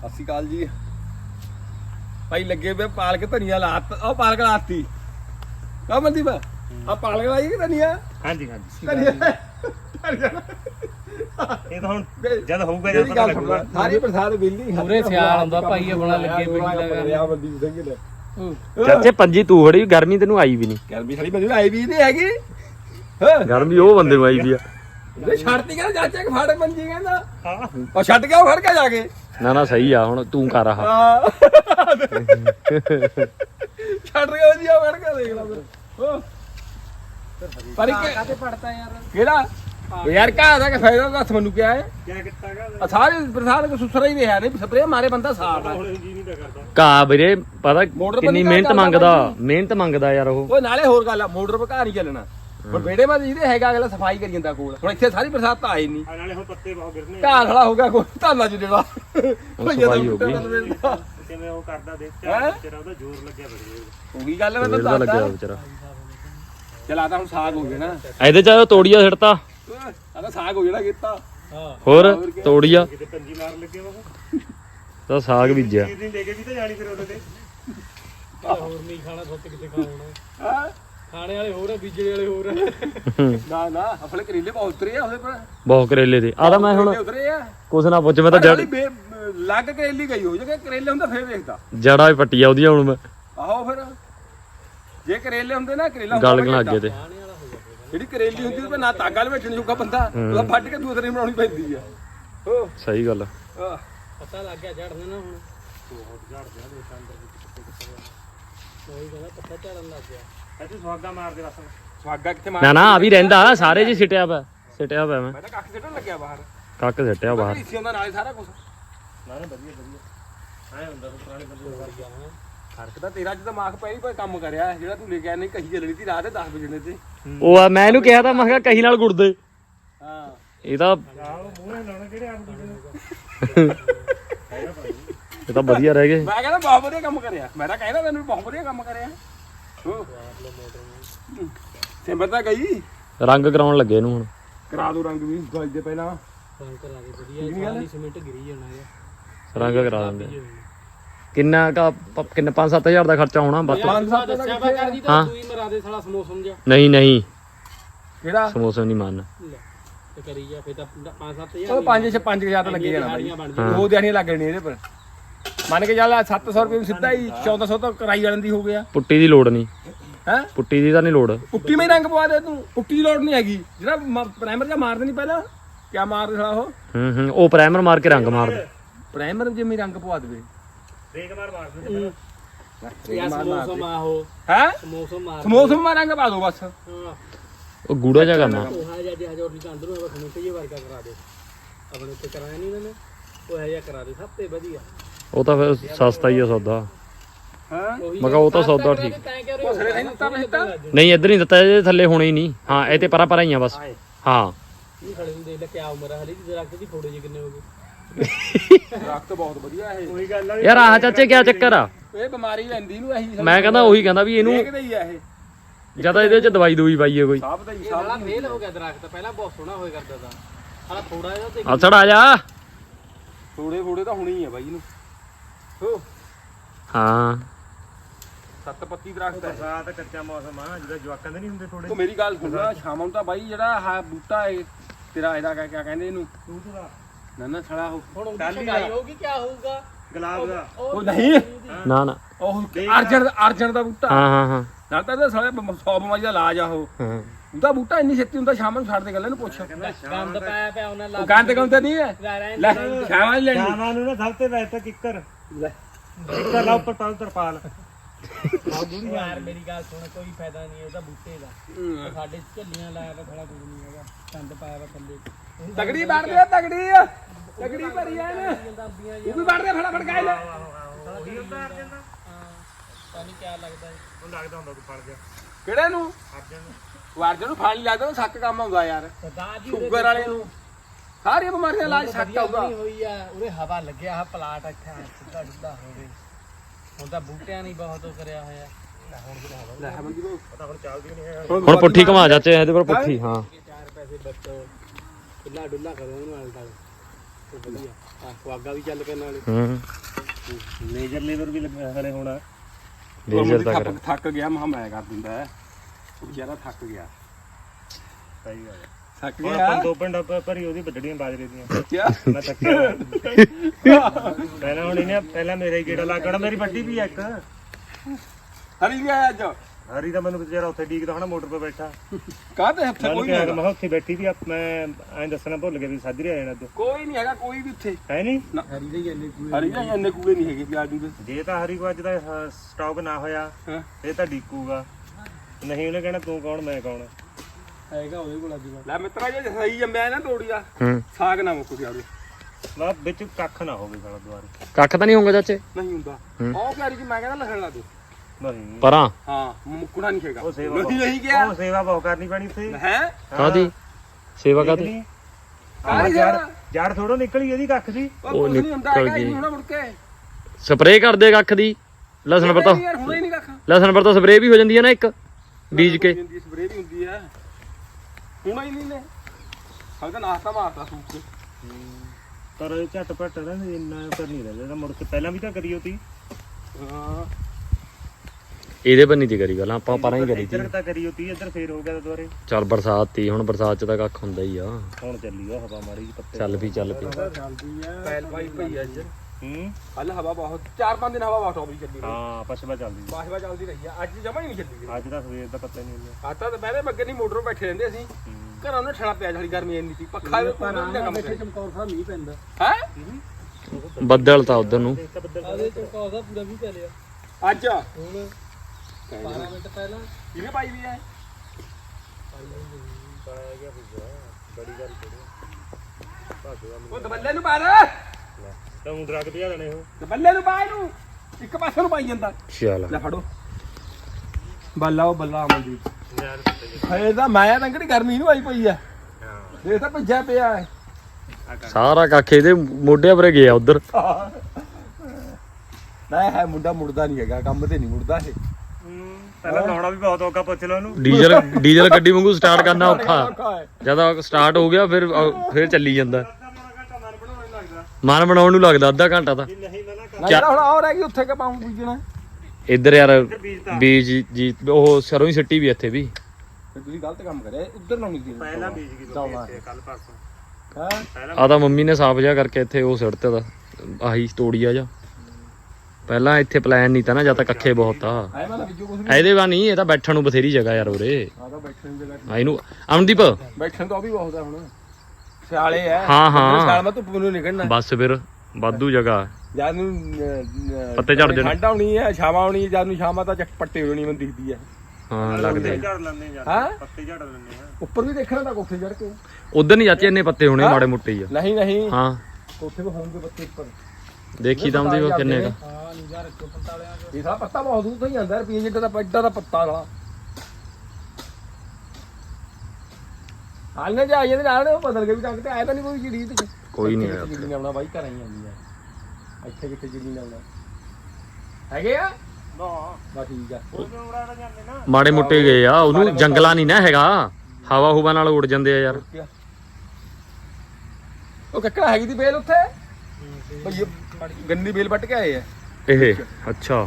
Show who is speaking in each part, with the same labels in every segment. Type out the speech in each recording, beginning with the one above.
Speaker 1: ਸਤਿ ਸ਼੍ਰੀ ਅਕਾਲ ਜੀ ਭਾਈ ਲੱਗੇ ਵੇ ਪਾਲਕ ਧਨੀਆ ਲਾਤ ਉਹ ਪਾਲਕ ਲਾਤੀ ਕਾ ਮਨਦੀਪ ਆ ਪਾਲਕ ਲਾਈ ਕਿ ਧਨੀਆ
Speaker 2: ਹਾਂਜੀ ਹਾਂਜੀ
Speaker 1: ਧਨੀਆ
Speaker 2: ਇਹ ਤਾਂ ਹੁਣ ਜਦ ਹੋਊਗਾ ਜਦ ਪਤਾ ਲੱਗੂਗਾ
Speaker 1: ਸਾਰੀ ਪ੍ਰਸਾਦ ਬਿੱਲੀ
Speaker 3: ਪੂਰੇ ਸਿਆਲ ਆਉਂਦਾ ਭਾਈ ਆਪਣਾ ਲੱਗੇ ਬਿੱਲੀ
Speaker 1: ਆ ਮਨਦੀਪ ਸਿੰਘ ਨੇ
Speaker 4: ਚਾਚੇ ਪੰਜੀ ਤੂੰ ਖੜੀ ਗਰਮੀ ਤੈਨੂੰ ਆਈ ਵੀ ਨਹੀਂ
Speaker 1: ਗਰਮੀ ਸਾਡੀ ਬੰਦੇ ਆਈ ਵੀ ਨਹੀਂ ਹੈਗੀ ਹਾਂ
Speaker 4: ਗਰਮੀ ਉਹ ਬੰਦੇ ਨੂੰ ਆਈ ਵੀ ਆ
Speaker 1: ਇਹ ਛੱਡਤੀ ਕਹਿੰਦਾ ਚਾਚੇ ਫਾੜੇ ਪੰਜੀ ਕਹਿੰਦਾ ਹਾਂ ਉਹ ਛੱਡ ਕੇ ਉਹ ਖੜ ਕੇ ਜਾ ਕੇ
Speaker 4: ਨਾ ਸਹੀ ਆ ਹੁਣ ਤੂੰ ਕਰ ਆਹ
Speaker 1: ਹਾਂ ਛੱਡ ਕੇ ਜੀ ਉਹ ਖੜ ਕੇ ਦੇਖ ਲੈ ਫਿਰ ਪਰ
Speaker 3: ਕਾਤੇ ਪੜਤਾ ਯਾਰ
Speaker 1: ਕਿਹੜਾ ਯਾਰ ਕਾ ਦਾ ਕਿ ਫਾਇਦਾ ਦੱਸ ਮੈਨੂੰ ਕਿਹਾ ਹੈ
Speaker 2: ਕਿਆ ਕਿੱਤਾਗਾ
Speaker 1: ਆ ਸਾਰੇ ਪ੍ਰਸਾਦ ਕੋ ਸੁਸਰਾ ਹੀ ਰਿਹਾ ਨਹੀਂ ਸਪਰੇ ਮਾਰੇ ਬੰਦਾ ਸਾਫ ਹੈ
Speaker 2: ਹੁਣ ਜੀ ਨਹੀਂ ਤਾਂ ਕਰਦਾ
Speaker 4: ਕਾ ਵੀਰੇ ਪਤਾ
Speaker 1: ਮੋਟਰ
Speaker 4: ਕਿੰਨੀ
Speaker 1: ਬੰਦ
Speaker 4: ਮਿਹਨਤ
Speaker 1: ਕਰਦਾ
Speaker 4: ਮੰਗਦਾ ਮਿਹਨਤ ਮੰਗਦਾ ਯਾਰ ਉਹ
Speaker 1: ਉਹ ਨਾਲੇ ਹੋਰ ਗੱਲ ਆ ਮੋਟਰ ਪਰ ਘਰ ਨਹੀਂ ਚੱਲਣਾ ਪਰ ਬੇੜੇ ਮਾ ਜਿਹਦੇ ਹੈਗਾ ਅਗਲਾ ਸਫਾਈ ਕਰੀ ਜਾਂਦਾ ਕੋਲ ਹੁਣ ਇੱਥੇ ਸਾਰੀ ਬਰਸਾਤ ਤਾਂ ਆਈ ਨਹੀਂ
Speaker 2: ਆ ਨਾਲੇ ਹੁਣ ਪੱਤੇ ਬਹੁਤ ਗਿਰਨੇ
Speaker 1: ਘਾਹ ਖੜਾ ਹੋ ਗਿਆ ਕੋਈ ਧਾਨਾ ਚ ਜਿਹੜਾ
Speaker 4: ਸਫਾਈ ਹੋ ਗਈ।
Speaker 2: ਕਿਵੇਂ ਉਹ ਕਰਦਾ ਦੇਖ
Speaker 1: ਹੈਂ?
Speaker 2: ਤੇਰਾ ਉਹਦਾ ਜ਼ੋਰ ਲੱਗਿਆ ਬੜੀ
Speaker 1: ਉਹੀ ਗੱਲ ਮੈਂ
Speaker 4: ਸਵੇਰ ਦਾ
Speaker 1: ਤੁਹਾਨੂੰ
Speaker 4: ਲੱਗਿਆ
Speaker 1: ਦੱਸਦਾ
Speaker 4: ਵਿਚਾਰਾ
Speaker 1: ਚਲਾ ਤਾਂ ਹੁਣ ਸਾਗ ਹੋ ਗਿਆ ਨਾ
Speaker 4: ਇਹਦੇ ਚ ਤੋੜੀਆ ਛੜਤਾ
Speaker 1: ਆ ਤਾਂ ਸਾਗ ਹੋ ਜਿਹੜਾ ਕੀਤਾ
Speaker 4: ਹੋਰ ਤੋੜੀਆ
Speaker 2: ਕਿਤੇ ਪੰਜੀ ਮਾਰ ਲੱਗੇ ਵਾ
Speaker 4: ਤਾਂ ਸਾਗ ਬੀਜਿਆ
Speaker 2: ਚੀਜ਼ ਨਹੀਂ ਲੈ ਕੇ ਵੀ ਤਾਂ ਜਾਣੀ ਫਿਰ ਉਹਦੇ ਤੇ
Speaker 3: ਹੋਰ ਨਹੀਂ ਖਾਣਾ ਸੁੱਤ ਕਿਤੇ ਖਾਣਾ
Speaker 1: ਹਾਂ
Speaker 3: ਖਾਣੇ ਵਾਲੇ ਹੋਰ ਆ ਬੀਜਣੇ ਵਾਲੇ ਹੋਰ ਆ
Speaker 1: ਨਾ ਨਾ ਆਪਣੇ ਕਰੇਲੇ ਬਹੁਤ ਉਤਰੇ ਆ ਉਹਦੇ ਪਰ
Speaker 4: ਬਹੁਤ ਕਰੇਲੇ ਦੇ ਆ ਤਾਂ ਮੈਂ ਹੁਣ
Speaker 1: ਕਰੇਲੇ ਉਤਰੇ ਆ
Speaker 4: ਕੁਛ ਨਾ ਪੁੱਛ ਮੈਂ ਤਾਂ ਜੜ
Speaker 1: ਲੱਗ ਕਰੇਲੀ ਗਈ ਹੋ ਜੇ ਕਰੇਲੇ ਹੁੰਦਾ ਫੇਰ ਵੇਖਦਾ
Speaker 4: ਜੜਾ ਵੀ ਪੱਟੀਆ ਉਹਦੀਆਂ ਹੁਣ ਮੈਂ
Speaker 1: ਆਹੋ ਫਿਰ ਜੇ ਕਰੇਲੇ ਹੁੰਦੇ ਨਾ ਕਰੇਲਾ
Speaker 4: ਗਲ ਗਣ ਅੱਗੇ ਤੇ
Speaker 1: ਜਿਹੜੀ ਕਰੇਲੀ ਹੁੰਦੀ ਉਹ ਨਾ ਤਾਗਾ ਲਵੇਟਣ ਜੋਗਾ ਬੰਦਾ ਉਹਦਾ ਫੱਟ ਕੇ ਦੂਸਰੇ ਬਣਾਉਣੀ ਪੈਂਦੀ ਆ ਹੋ
Speaker 4: ਸਹੀ ਗੱਲ
Speaker 1: ਆਹ
Speaker 3: ਪਤਾ ਲੱਗ ਗਿਆ ਝੜਦੇ ਨਾ ਹੁਣ ਬਹੁਤ ਝੜਦੇ ਆ ਦੇਖ ਅੰਦਰ ਕੋਈ ਕਹਿੰਦਾ ਪੱਤਾ ਝੜਨ ਲੱਗ ਗਿਆ
Speaker 2: ਅੱਜ ਸਵਾਗਾ ਮਾਰ ਦੇ ਬਸ
Speaker 1: ਸਵਾਗਾ ਕਿੱਥੇ ਮਾਰ
Speaker 4: ਨਾ ਆ ਵੀ ਰਹਿੰਦਾ ਸਾਰੇ ਜੀ ਸਿੱਟਿਆ ਪਿਆ ਮੈਂ
Speaker 1: ਮੈਂ ਤਾਂ ਕੱਖ ਸਿੱਟਣ ਲੱਗਿਆ ਬਾਹਰ
Speaker 4: ਕੱਕ ਸਿੱਟਿਆ ਬਾਹਰ
Speaker 1: ਇੱਥੇ ਹੁੰਦਾ ਨਾਲ ਸਾਰਾ ਕੁਝ
Speaker 2: ਨਾ ਵਧੀਆ ਵਧੀਆ ਐ ਹੁੰਦਾ ਪੁਰਾਣੇ ਬੰਦੇ ਦਾ ਵਰਗਾ
Speaker 1: ਫਰਕ ਤਾਂ ਤੇਰਾ ਜਦੋਂ ਮਾਖ ਪਈ ਕੋਈ ਕੰਮ ਕਰਿਆ ਜਿਹੜਾ ਤੂੰ ਲੈ ਕੇ ਆਇਆ ਨਹੀਂ ਕਹੀ ਚੱਲਣੀ ਸੀ ਰਾਤ ਦੇ 10 ਵਜੇ ਤੇ
Speaker 4: ਉਹ ਆ ਮੈਂ ਇਹਨੂੰ ਕਿਹਾ ਤਾਂ ਮੈਂ ਕਿਹਾ ਕਹੀ ਨਾਲ ਗੁੜਦੇ
Speaker 1: ਹਾਂ
Speaker 4: ਇਹ ਤਾਂ
Speaker 2: ਆਹ ਮੂਹਰੇ ਲਾਉਣਾ ਕਿਹੜੇ ਆਪ ਦੂਜੇ ਨੂੰ
Speaker 4: ਇਹ ਤਾਂ ਵਧੀਆ ਰਹਿ ਗਏ
Speaker 1: ਮੈਂ ਕਹਿੰਦਾ ਬਹੁਤ ਵਧੀਆ ਕੰਮ ਕਰਿਆ ਮੈਂ ਤਾਂ ਕਹਿੰਦਾ ਤੈਨੂੰ ਬਹੁਤ ਵਧੀਆ ਕੰਮ ਕਰਿਆ ਹੋ ਸਿਮਰ ਤਾਂ ਗਈ
Speaker 4: ਰੰਗ ਕਰਾਉਣ ਲੱਗੇ ਇਹਨੂੰ ਹੁਣ
Speaker 1: ਕਰਾ ਦੋ ਰੰਗ ਵੀ ਗਲ ਦੇ ਪਹਿਲਾਂ
Speaker 3: ਰੰਗ ਕਰਾ ਦੇ ਵਧੀਆ ਸਾਰੀ ਸਿਮੈਂਟ ਗਿਰੀ ਜਾਣਾ ਹੈ
Speaker 4: ਰੰਗ ਕਰਾ ਦਿੰਦੇ ਕਿੰਨਾ ਕਿੰਨਾ 5-7 ਹਜ਼ਾਰ ਦਾ ਖਰਚਾ ਹੋਣਾ ਬਸ
Speaker 3: ਦੱਸਿਆ ਵਾ ਕਰਦੀ ਤਾਂ ਤੂੰ ਹੀ ਮਰਾ ਦੇ ਸਾਲਾ ਸਮੋਸਮ ਜਿਹਾ
Speaker 4: ਨਹੀਂ
Speaker 1: ਕਿਹੜਾ
Speaker 4: ਸਮੋਸੇ ਨਹੀਂ ਮੰਨ
Speaker 3: ਲੈ ਤੇ ਕਰੀ ਜਾ ਫੇ ਤਾਂ 5-7
Speaker 1: ਉਹ 5-6 ਤਾਂ ਲੱਗੇ ਜਾਣਾ ਬਾਈ
Speaker 3: ਬਣ
Speaker 1: ਦੋ ਦਿਹਾੜੀਆਂ ਲੱਗ ਜਾਣੀਆਂ ਇਹਦੇ ਪਰ ਮੰਨ ਕੇ ਚੱਲ 700 ਰੁਪਏ ਸਿੱਧਾ ਹੀ 1400 ਤਾਂ ਕਰਾਈ ਵਾਲਿਆਂ ਦੀ ਹੋ ਗਿਆ
Speaker 4: ਪੁੱਟੀ ਦੀ ਲੋੜ ਨਹੀਂ
Speaker 1: ਹੈ
Speaker 4: ਪੁੱਟੀ ਦੀ ਤਾਂ ਨਹੀਂ ਲੋੜ
Speaker 1: ਪੁੱਟੀ ਮੈਂ ਰੰਗ ਪਵਾ ਦੇ ਤੂੰ ਪੁੱਟੀ ਦੀ ਲੋੜ ਨਹੀਂ ਹੈਗੀ ਜਿਹੜਾ ਪ੍ਰਾਈਮਰ ਜਾਂ ਮਾਰਦੇ ਨਹੀਂ ਪਹਿਲਾਂ ਕਿਆ ਮਾਰਦੇ ਸਾਲਾ ਉਹ
Speaker 4: ਉਹ ਪ੍ਰਾਈਮਰ ਮਾਰ ਕੇ ਰੰਗ ਮਾਰ ਦੇ
Speaker 1: ਪ੍ਰਾਈਮਰ ਜਿਵੇਂ ਰੰਗ ਪਵਾ ਦੇਵੇ
Speaker 2: ਦੇਖ ਮਾਰ ਦਿੰਦੇ
Speaker 3: ਯਾ ਸਮੋਸਮ ਆਹੋ
Speaker 1: ਹੈ
Speaker 3: ਸਮੋਸਮ ਮਾਰ
Speaker 1: ਸਮੋਸੇ ਮਾ ਰੰਗ ਪਾ ਦੋ ਬਸ
Speaker 3: ਹਾਂ
Speaker 4: ਉਹ ਗੂੜਾ ਜਿਹਾ ਕਰਨਾ
Speaker 3: ਉਹ ਜਿਹਾ ਜਿਹਾ ਜੋ ਨਹੀਂ ਅੰਦਰ ਨੂੰ ਸਮੋਸੇ ਜੇ ਵਰਗਾ ਕਰਾ ਦੇ ਆਪਣੇ ਤੇ ਕਰਾਇਆ ਨਹੀਂ ਇਹਨੇ ਉਹ ਜਿਹਾ ਕਰਾ ਦੇ ਸਭ ਤੋਂ ਵਧੀਆ
Speaker 4: ਉਹ ਤਾਂ ਫਿਰ ਸਸਤਾ ਹੀ ਆ ਸੌਦਾ
Speaker 1: ਹਾਂ
Speaker 4: ਮੈਂ ਕਿਹਾ ਉਹ ਤਾਂ ਸੌਦਾ ਠੀਕ
Speaker 1: ਸਰੇ ਨਹੀਂ ਦਿੱਤਾ ਦਿੱਤਾ
Speaker 4: ਨਹੀਂ ਇੱਧਰ ਨਹੀਂ ਦਿੱਤਾ ਇਹਦੇ ਥੱਲੇ ਹੋਣੇ ਹੀ ਨਹੀਂ ਹਾਂ ਇਹ ਤੇ ਪਰਾਂ ਹੀ ਆ ਬਸ ਹਾਂ
Speaker 3: ਇਹ ਖੜੇ ਨੂੰ ਦੇਖ ਲੈ ਕਿਆ ਉਮਰ ਹੈ ਹਲੇ ਦੀ ਦਰਖਤ ਦੀ ਫੋਟੋ ਜੀ ਕਿੰਨੇ ਹੋ ਗਏ
Speaker 1: ਰੱਖ ਤਾਂ ਬਹੁਤ ਵਧੀਆ ਇਹ
Speaker 2: ਉਹੀ ਗੱਲ ਆ
Speaker 4: ਯਾਰ ਆਹ ਚਾਚੇ ਕਿਆ ਚੱਕਰ ਆ
Speaker 1: ਇਹ ਬਿਮਾਰੀ ਲੈਂਦੀ ਨੂੰ ਇਹੀ
Speaker 4: ਮੈਂ ਕਹਿੰਦਾ ਉਹੀ ਕਹਿੰਦਾ ਵੀ ਇਹਨੂੰ
Speaker 1: ਦੇਖਦੇ ਹੀ ਆ ਇਹ
Speaker 4: ਜਾਂ ਤਾਂ ਇਹਦੇ ਚ ਦਵਾਈ ਦੂਈ ਪਾਈਏ ਕੋਈ
Speaker 1: ਸਾਬ ਦਾ ਹੀ
Speaker 3: ਇਹ
Speaker 1: ਸਾਬ
Speaker 3: ਸਾਲਾ ਫੇਲ ਹੋ ਗਿਆ ਦਰਖਤ ਪਹਿਲਾਂ ਬਹੁਤ ਸੋਹਣਾ ਹੋਇਆ ਕਰਦਾ ਤਾ ਹਾਲਾ ਥੋੜਾ ਜਿਹਾ ਤੇ
Speaker 4: ਅਸੜ ਆ ਜਾ
Speaker 1: ਥੋੜੇ ਤਾਂ ਹੋਣੀ ਹੀ ਆ ਬਾਈ ਇਹਨੂੰ ਹੋ
Speaker 4: ਹਾਂ
Speaker 1: ਸੱਤ ਪੱਤੀ ਦਰਖਤ ਹੈ
Speaker 2: ਬਰਸਾਤ ਕੱਚਾ ਮੌਸਮ ਆ ਜਿਹਦਾ ਜਵਾਕਾਂ ਦੇ ਨਹੀਂ ਹੁੰਦੇ ਥੋੜੇ
Speaker 1: ਤੂੰ ਮੇਰੀ ਗੱਲ ਸੁਣ ਲੈ ਸ਼ਾਮਾਂ ਨੂੰ ਤਾਂ ਬਾਈ ਜਿਹੜਾ ਆਹ ਬੂਟਾ ਹੈ ਤੇਰਾ ਇਹਦਾ ਕਿਆ ਕਹਿੰਦੇ ਇਹਨੂੰ
Speaker 2: ਤੂੰ ਤਾਂ
Speaker 1: ਨਾ ਛੜਾ ਹੋ
Speaker 3: ਹੁਣ ਉਹਦੀ ਛਟਾਈ ਹੋਊਗੀ ਕਿਆ ਹੋਊਗਾ
Speaker 2: ਗੁਲਾਬ ਦਾ
Speaker 1: ਉਹ ਨਹੀਂ
Speaker 4: ਨਾ
Speaker 1: ਉਹ ਅਰਜਨ ਦਾ ਬੂਟਾ
Speaker 4: ਹਾਂ
Speaker 1: ਨਾਲ ਤਾਂ ਇਹਦਾ ਸਾਲੇ 100 ਬਿਮਾਰੀ ਦਾ ਇਲਾਜ ਆ ਉਹ
Speaker 4: ਹਾਂ
Speaker 1: ਉਹਦਾ ਬੂਟਾ ਇੰਨੀ ਛੇਤੀ ਹੁੰਦਾ ਸ਼ਾਮਾਂ ਨੂੰ ਛੱਡ ਦੇ ਗੱਲ ਇਹਨੂੰ ਪੁੱਛ
Speaker 3: ਗੰਦ ਪਾਇਆ ਪਿਆ ਉਹਨਾਂ
Speaker 1: ਉਹ ਗੰਦ ਗੰਦ ਨਹੀਂ ਹੈ ਲੈ ਸ਼ਾਮਾਂ ਨੂੰ ਲੈਣੀ
Speaker 2: ਸ਼ਾਮਾਂ ਨੂੰ ਨਾ ਸਭ ਤੋਂ ਬੈਠ ਕਿੱਕਰ ਕਿੱਕਰ ਲਾ ਉੱਪਰ ਪਾਲ ਤਰਪਾਲ
Speaker 3: ਯਾਰ ਮੇਰੀ ਗੱਲ ਸੁਣ ਕੋਈ ਫਾਇਦਾ ਨਹੀਂ ਉਹਦਾ ਬੂਟੇ ਦਾ ਸਾਡੇ ਝੱਲੀਆਂ ਲਾਇਆ ਵਾ ਥੋੜਾ ਕੁਝ ਨਹੀਂ ਹੈਗਾ ਗੰਦ ਪਾਇਆ ਵਾ ਥੱਲੇ
Speaker 1: ਤਗੜੀ ਵੜਦੇ ਆ ਤਗੜੀ ਭਰੀ ਆ ਇਹਨੇ ਉਹ ਵੀ ਵੜਦੇ ਫਟਾਫਟ ਕਾਇ ਲੈ
Speaker 2: ਉਹੀ ਹੁੰਦਾ ਅਰਜਨ ਦਾ
Speaker 3: ਤੁਹਾਨੂੰ ਕਿਆ ਲੱਗਦਾ ਹੈ
Speaker 2: ਉਹ ਲੱਗਦਾ ਹੁੰਦਾ ਕੋਈ ਫੜ ਗਿਆ
Speaker 1: ਕਿਹੜੇ ਨੂੰ
Speaker 2: ਅਰਜਨ ਨੂੰ
Speaker 1: ਉਹ ਅਰਜਨ ਨੂੰ ਫਾਲੀ ਲੱਗਦਾ ਉਹ ਸੱਕ ਕੰਮ ਆਉਂਦਾ ਯਾਰ
Speaker 3: ਸਰਦਾਰ ਜੀ
Speaker 1: ਸ਼ੂਗਰ ਵਾਲੇ ਨੂੰ ਸਾਰੀਆਂ ਬਿਮਾਰੀਆਂ ਦਾ ਇਲਾਜ ਸੱਕ ਆਉਂਦਾ
Speaker 3: ਬਣੀ ਹੋਈ ਆ ਉਹਦੇ ਹਵਾ ਲੱਗਿਆ ਆ ਪਲਾਟ ਇੱਥੇ ਸਿੱਧਾ ਸਿੱਧਾ ਹੋਵੇ ਹੁਣ ਤਾਂ ਬੂਟਿਆਂ ਨਹੀਂ ਬਹੁਤ ਉਹ ਕਰਿਆ ਹੋਇਆ
Speaker 1: ਲੈ ਹਮਨ ਜੀ
Speaker 2: ਪਤਾ ਹੁਣ ਚੱਲਦੀ ਨਹੀਂ ਹੈ
Speaker 4: ਹੁਣ ਪੁੱਠੀ ਘਮਾ ਚਾਚੇ ਇਹਦੇ ਪਰ ਪੁੱਠੀ ਹਾਂ
Speaker 3: 4 ਪੈਸੇ ਬੱਚੋ ਡੁੱਲਾ ਕਰੋ ਉਹਨੂੰ ਨਾਲ ਵਧੀਆ ਆ ਸਵਾਗਾ ਵੀ ਚੱਲ ਕੇ ਨਾਲੇ
Speaker 4: ਹੂੰ
Speaker 2: ਲੇਜ਼ਰ ਲੇਵਰ ਵੀ ਹਲੇ ਹੋਣਾ।
Speaker 4: ਲੇਜ਼ਰ ਤੱਕ
Speaker 1: ਥੱਕ ਗਿਆ ਮੈਂ ਕਰ ਦਿੰਦਾ ਹੈ ਜਿਆਦਾ ਥੱਕ ਗਿਆ
Speaker 2: ਸਹੀ ਗੱਲ ਹੈ।
Speaker 1: ਥੱਕ
Speaker 2: ਹੁਣ
Speaker 1: ਗਿਆ
Speaker 2: ਆਪਾਂ 2 ਪਿੰਡ ਭਰੀ ਉਹਦੀ ਵੱਡੜੀਆਂ ਬਾਜਰੇ ਦੀਆਂ।
Speaker 1: ਕਿਆ
Speaker 2: ਮੈਂ ਥੱਕਿਆ ਪਹਿਲਾਂ ਹੁਣ ਇਹਨੇ ਪਹਿਲਾਂ ਮੇਰਾ ਹੀ ਗੇੜਾ ਲੱਗਣਾ। ਮੇਰੀ ਵੱਡੀ ਵੀ ਆ ਇੱਕ
Speaker 1: ਹਰੀ ਨਹੀਂ ਆਇਆ ਅੱਜ
Speaker 2: ਹਰੀ ਦਾ ਮੈਨੂੰ ਵਿਚਾਰਾ ਉੱਥੇ ਡੀਕਦਾ ਹੋਣਾ ਮੋਟਰ 'ਤੇ ਬੈਠਾ।
Speaker 1: ਕਾਹਦੇ ਹੱਥੇ
Speaker 2: ਮੈਨੂੰ
Speaker 1: ਕੋਈ
Speaker 2: ਕਿਹਾ
Speaker 1: ਨਹੀਂ
Speaker 2: ਮੈਂ ਕਿਹਾ ਉੱਥੇ ਬੈਠੀ ਵੀ ਮੈਂ ਐਂ ਦੱਸਣਾ ਭੁੱਲ ਗਿਆ ਵੀ ਸਾਜਰੇ ਆ ਜਾਣਾ ਅੱਜ।
Speaker 1: ਕੋਈ ਨਹੀਂ ਹੈਗਾ ਕੋਈ ਵੀ ਉੱਥੇ
Speaker 2: ਹੈ ਨਹੀਂ
Speaker 3: ਹਰੀ ਦੇ ਹੀ ਇੰਨੇ
Speaker 1: ਹਰੀ ਨਾ ਇੰਨੇ ਕੂੜੇ ਨਹੀਂ ਹੈਗੇ ਪਿਆਜ ਦੇ
Speaker 2: ਜੇ ਤਾਂ ਹਰੀ ਕੋ ਅੱਜ ਦਾ ਸਟਾਕ ਨਾ ਹੋਇਆ
Speaker 1: ਹਾਂ
Speaker 2: ਇਹ ਤਾਂ ਡੀਕੂਗਾ। ਨਹੀਂ ਉਹਨੇ ਕਹਿਣਾ ਤੂੰ ਕੌਣ ਮੈਂ ਕੌਣ।
Speaker 3: ਹੈਗਾ ਉਹਦੇ ਕੋਲ ਅੱਜ
Speaker 1: ਲੈ ਮਿੱਤਰਾ ਜੇ ਸਹੀ ਜੰਮਿਆ ਨਾ ਤੋੜੀ ਦਾ
Speaker 4: ਹੂੰ
Speaker 1: ਸਾਗ ਨਾ ਮੁੱਕ ਗਿਆ ਉਹਦੇ
Speaker 2: ਬਸ ਵਿੱਚ ਕੱਖ ਨਾ ਹੋਵੇ ਸਾਲਾ ਦੁਆਰੇ।
Speaker 4: ਕੱਖ ਤਾਂ ਨਹੀਂ ਹੋਊਗਾ ਚਾਚੇ
Speaker 1: ਨਹੀਂ ਹੁੰਦਾ
Speaker 4: ਹੂੰ।
Speaker 1: ਉਹ ਕਹਿ ਰਹੀ ਕਿ ਮੈਂ ਕਹਿੰਦਾ ਲਖਣ ਲਾ ਦੂ
Speaker 2: ਨਹੀਂ
Speaker 4: ਪਰਾਂ
Speaker 1: ਹਾਂ ਮੁੱਕਣਾ ਨਹੀਂ ਹੈਗਾ
Speaker 2: ਉਹ ਸੇਵਾ
Speaker 1: ਨਹੀਂ ਨਹੀਂ ਗਿਆ
Speaker 2: ਉਹ ਸੇਵਾ ਬਹੁਤ ਕਰਨੀ ਪੈਣੀ ਉੱਥੇ।
Speaker 1: ਹੈ
Speaker 4: ਕਾਦੀ ਸੇਵਾ ਕਾਦੀ
Speaker 1: ਕਾਹਦੀ
Speaker 2: ਜੜ ਥੋੜੋ ਨਿਕਲੀ ਇਹਦੀ ਕੱਖ ਦੀ।
Speaker 1: ਉਹ ਕੁਝ ਨਹੀਂ ਹੁੰਦਾ ਹੈਗਾ ਇਹ ਹੁਣ ਮੁੜ ਕੇ
Speaker 4: ਸਪਰੇਅ ਕਰਦੇ ਕੱਖ ਦੀ ਲਸਣ ਪਰ ਤਾਂ
Speaker 1: ਯਾਰ ਹੁਣੇ ਨਹੀਂ ਰੱਖ
Speaker 4: ਲਸਣ ਪਰ ਤਾਂ ਸਪਰੇਅ ਵੀ ਹੋ ਜਾਂਦੀ ਹੈ ਨਾ ਇੱਕ ਬੀਜ ਕੇ
Speaker 1: ਸਪਰੇਅ ਵੀ ਹੁੰਦੀ ਹੈ ਹੁਣ ਹੀ ਨਹੀਂ ਨੇ ਹਲਕਾ ਨਾਸਤਾ ਮਾਰਤਾ ਸੂਪ ਤੇ
Speaker 2: ਪਰ ਝਟਪਟ ਨਾ ਇੰਨਾ ਕਰ ਨਹੀਂ ਰਹਿੰਦਾ ਮੁੜ ਕੇ ਪਹਿਲਾਂ ਵੀ ਤਾਂ ਕਰੀ ਹੋਤੀ।
Speaker 1: ਹਾਂ
Speaker 4: ਇਹਦੇ ਬੰਨੀ ਦੀ ਕਰੀ ਗੱਲ ਆਪਾਂ ਪਰਾਂ ਹੀ ਕਰੀ ਤੀ
Speaker 2: ਇੱਧਰ ਤਾਂ ਕਰੀ ਹੋਤੀ ਇੱਧਰ ਫੇਰ ਹੋ ਗਿਆ ਦੁਆਰੇ।
Speaker 4: ਚੱਲ ਬਰਸਾਤ ਤੀ ਹੁਣ ਬਰਸਾਤ ਚ ਤਾਂ ਕੱਖ ਹੁੰਦਾ ਹੀ ਆ
Speaker 2: ਹੁਣ ਚੱਲੀ ਉਹ ਹਵਾ ਮਾਰੀ ਪੱਤੇ
Speaker 4: ਚੱਲ ਪਈ
Speaker 3: ਚੱਲਦੀ ਆ
Speaker 1: ਪੈਲ ਪਾਈ ਪਈ ਅੱਜ
Speaker 2: ਹੂੰ
Speaker 1: ਕੱਲ ਹਵਾ ਬਹੁਤ 4-5 ਦਿਨ ਹਵਾ ਬਹੁਤ ਔਬਰੀ ਚੱਲੀ ਰਹੀ
Speaker 2: ਹਾਂ ਪਛਵਾ ਚੱਲਦੀ
Speaker 1: ਬਾਸ਼ਵਾ ਚੱਲਦੀ ਰਹੀ ਆ ਅੱਜ ਜਮਾ ਹੀ ਨਹੀਂ ਚੱਲੀ
Speaker 2: ਅੱਜ ਤਾਂ ਸਵੇਰ ਦਾ ਪਤਾ ਨਹੀਂ ਹੁੰਦਾ।
Speaker 1: ਆਤਾ ਤਾਂ ਪਹਿਲੇ ਬੱਗੇ ਨਹੀਂ ਮੋਟਰ ਬੈਠੇ ਰਹਿੰਦੇ ਅਸੀਂ ਘਰਾਂ ਨੂੰ ਠਣਾ ਪਿਆ ਸਾਡੀ ਗਰਮੀ ਇੰਨੀ ਸੀ ਪੱਖਾ ਵੀ
Speaker 3: ਪਰ
Speaker 1: ਪੂਰਾ ਕੰਮ
Speaker 3: ਬੈਠੇ ਚਮਕੌਰ ਸਾਹਿਬ ਮੀਂਹ ਪੈਂਦਾ
Speaker 1: ਹੈ
Speaker 4: ਬੱਦਲ ਤਾਂ ਉਧਰ ਨੂੰ
Speaker 2: ਇੱਕ ਤਾਂ ਬੱਦਲ
Speaker 3: ਆਦੇ ਚਮਕੌਰ ਸਾਹਿਬ ਪੂਰਾ ਮੀਂਹ ਪੈ ਲਿਆ
Speaker 1: ਅੱਜ
Speaker 3: ਹੁਣ 12 ਮਿੰਟ ਪਹਿਲਾਂ
Speaker 1: ਇਹਨੇ ਪਾਈ ਵੀ ਹੈ
Speaker 2: ਪਾਇਆ ਗਿਆ ਬੜੀ ਗੱਲ ਕਰੀ
Speaker 1: ਉਹ ਦਬੱਲੇ ਨੂੰ ਪਾ ਦੇ
Speaker 2: ਤਾਂ ਉਂਦ ਰੱਖ ਪਿਆ ਦੇਣੇ ਉਹ
Speaker 1: ਦਬੱਲੇ ਨੂੰ ਪਾ ਇਹਨੂੰ ਇੱਕ ਪਾਸੇ ਨੂੰ ਪਾਈ ਜਾਂਦਾ
Speaker 4: ਚੱਲ
Speaker 1: ਲੈ ਫੜੋ ਬੱਲਾ ਉਹ ਬੱਲਾ ਅਮਨਦੀਪ
Speaker 2: ਯਾਰ
Speaker 1: ਹਏ ਤਾਂ ਮੈਂ ਤਾਂ ਕਿਹੜੀ ਗਰਮੀ ਨੂੰ ਆਈ ਪਈ ਆ
Speaker 2: ਹਾਂ
Speaker 1: ਦੇਖ ਤਾਂ ਭੱਜਿਆ ਪਿਆ ਹੈ
Speaker 4: ਸਾਰਾ ਕੱਖ ਇਹਦੇ ਮੋਢਿਆਂ ਪਰੇ ਗਿਆ ਉਧਰ
Speaker 1: ਨਾ ਹੈ ਮੁੰਡਾ ਮੁੜਦਾ ਨਹੀਂ ਹੈਗਾ ਕੰਮ ਤੇ ਨਹੀਂ ਮੁੜਦਾ ਇਹ
Speaker 2: ਪਹਿਲਾਂ ਲਾਉਣਾ ਵੀ ਬਹੁਤ ਔਖਾ ਪੁੱਛ ਲਓ ਉਹਨੂੰ।
Speaker 4: ਡੀਜ਼ਲ ਗੱਡੀ ਵਾਂਗੂ ਸਟਾਰਟ ਕਰਨਾ ਔਖਾ
Speaker 1: ਔਖਾ ਹੈ
Speaker 4: ਜਦ ਸਟਾਰਟ ਹੋ ਗਿਆ ਫਿਰ ਚੱਲੀ ਜਾਂਦਾ
Speaker 2: ਮਨ ਬਣਾਉਣ ਲੱਗਦਾ
Speaker 4: ਮਨ ਬਣਾਉਣ ਨੂੰ ਲੱਗਦਾ ਅੱਧਾ ਘੰਟਾ ਤਾਂ
Speaker 2: ਨਹੀਂ ਮੈਂ ਨਾ
Speaker 1: ਨਾ ਜਿਹੜਾ ਹੁਣ ਆ ਰਹਿ ਗਈ ਉੱਥੇ ਕਿ ਪਾਉਂ ਬੀਜਣਾ
Speaker 4: ਇੱਧਰ ਯਾਰ ਬੀਜ ਜੀ ਉਹ ਸਰੋਂ ਹੀ ਸਿੱਟੀ ਵੀ ਇੱਥੇ ਵੀ
Speaker 1: ਫਿਰ ਤੁਸੀਂ ਗਲਤ ਕੰਮ ਕਰਿਆ ਉੱਧਰ ਲਾਉਣੀ ਸੀ
Speaker 2: ਪਹਿਲਾਂ ਬੀਜ ਗਈ ਤੁਸੀਂ ਕੱਲ ਪਰਸੋਂ
Speaker 1: ਹਾਂ
Speaker 2: ਪਹਿਲਾਂ
Speaker 4: ਆ ਤਾਂ ਮੰਮੀ ਨੇ ਸਾਫ ਜਿਹਾ ਕਰਕੇ ਇੱਥੇ ਉਹ ਸਿੱਟ ਤਾ ਆਹੀ ਤੋੜੀਆ ਜਾ ਪਹਿਲਾਂ ਇੱਥੇ ਪਲਾਨ ਨਹੀਂ ਤਾਂ ਨਾ ਜਦ ਤੱਕ ਕੱਖੇ ਬਹੁਤ ਆ
Speaker 1: ਆਏ ਮੈਂ ਬੀਜੂ ਕੁਝ ਨਹੀਂ
Speaker 4: ਇਹਦੇ ਵਾ ਨਹੀਂ ਇਹ ਤਾਂ ਬੈਠਣ ਨੂੰ ਬਥੇਰੀ ਜਗ੍ਹਾ ਯਾਰ ਉਰੇ
Speaker 1: ਆ ਤਾਂ ਬੈਠਣ ਦੀ ਜਗ੍ਹਾ
Speaker 4: ਆ ਇਹਨੂੰ ਅਮਨਦੀਪ
Speaker 1: ਬੈਠਣ ਤੋਂ ਵੀ ਬਹੁਤ ਆ ਹੁਣ ਸਿਆਲੇ ਆ
Speaker 4: ਹਾਂ, ਹਾਂ।
Speaker 1: ਸਿਆਲ ਮੈਂ ਧੁੱਪ ਨੂੰ ਨਿਕਲਣਾ
Speaker 4: ਬਸ ਫਿਰ ਵਾਧੂ ਜਗ੍ਹਾ
Speaker 1: ਜਦ ਨੂੰ
Speaker 4: ਪੱਤੇ ਝੜ ਜਾਣੇ।
Speaker 1: ਠੰਡ ਆਉਣੀ ਹੈ ਛਾਵਾਂ ਆਉਣੀ ਜਦ ਨੂੰ ਛਾਵਾਂ ਤਾਂ ਚੱਕ ਪੱਟੇ ਹੋਣੀ ਮੈਨੂੰ ਦਿਖਦੀ ਹੈ
Speaker 4: ਹਾਂ ਲੱਗਦੇ
Speaker 2: ਝੜ ਲੈਂਦੇ ਯਾਰ
Speaker 1: ਹਾਂ
Speaker 2: ਪੱਤੇ ਝੜ ਲੈਂਦੇ ਆ।
Speaker 1: ਉੱਪਰ ਵੀ ਦੇਖਣਾ ਤਾਂ ਕੋਠੇ ਚੜ ਕੇ
Speaker 4: ਉਧਰ ਨਹੀਂ ਚਾਚੇ ਇੰਨੇ ਪੱਤੇ ਹੋਣੇ ਮਾੜੇ ਮੋਟੇ ਹੀ ਆ
Speaker 1: ਨਹੀਂ ਨਹੀਂ
Speaker 4: ਹਾਂ
Speaker 1: ਕੋਠੇ 'ਤੇ ਹੋਣਗੇ ਬੱਤੇ ਉੱਪਰ
Speaker 4: ਦੇਖੀ ਤਾਂ ਆਉਂਦੀ ਉਹ ਕਿੰਨੇ ਦਾ
Speaker 3: ਹਾਂ ਨਿਗਾ ਰੱਖੋ 45
Speaker 1: ਇਹ ਸਾਰਾ ਪੱਤਾ ਬਹੁਤ ਦੂਰ ਤੋਂ ਹੀ ਆਉਂਦਾ ਰੁਪਈਏ ਜਿੱਡਾ ਦਾ ਐਡਾ ਦਾ ਪੱਤਾ ਦਾ ਹਾਲ ਨੇ ਜਾ ਇਹਦੇ ਨਾਲ ਉਹ ਬਦਲ ਕੇ ਵੀ ਟੰਗ ਤੇ ਆਇਆ ਤਾਂ ਨਹੀਂ ਕੋਈ ਚਿੜੀ ਤੇ
Speaker 4: ਕੋਈ ਨਹੀਂ
Speaker 1: ਇੱਥੇ
Speaker 4: ਆਇਆ
Speaker 1: ਕਿੱਥੇ ਚਿੜੀ ਨੇ ਆਉਣਾ ਬਾਈ ਘਰਾਂ ਹੀ ਆਉਂਦੀ ਆ ਇੱਥੇ ਕਿੱਥੇ ਚਿੜੀ ਨੇ ਆਉਣਾ ਹੈਗੇ ਆ
Speaker 2: ਨਾ
Speaker 1: ਬਸ ਠੀਕ ਆ
Speaker 2: ਉਹ ਕਿਉਂ ਉਡਾ ਤਾਂ ਜਾਂਦੇ ਨਾ।
Speaker 4: ਮਾੜੇ ਮੋਟੇ ਗਏ ਆ ਉਹਨੂੰ ਜੰਗਲਾ ਨਹੀਂ ਨਾ ਹੈਗਾ ਹਵਾ ਹੁਵਾ ਨਾਲ ਉੜ ਜਾਂਦੇ ਆ ਯਾਰ
Speaker 1: ਕਿਆ? ਉਹ ਕੱਕੜਾ ਹੈਗੀ ਦੀ ਬੇਲ ਉੱਥੇ ਭਈ ਗੰਦੀ ਬੇਲ ਵੱਟ ਕੇ ਆਏ ਆ
Speaker 4: ਇਹ ਅੱਛਾ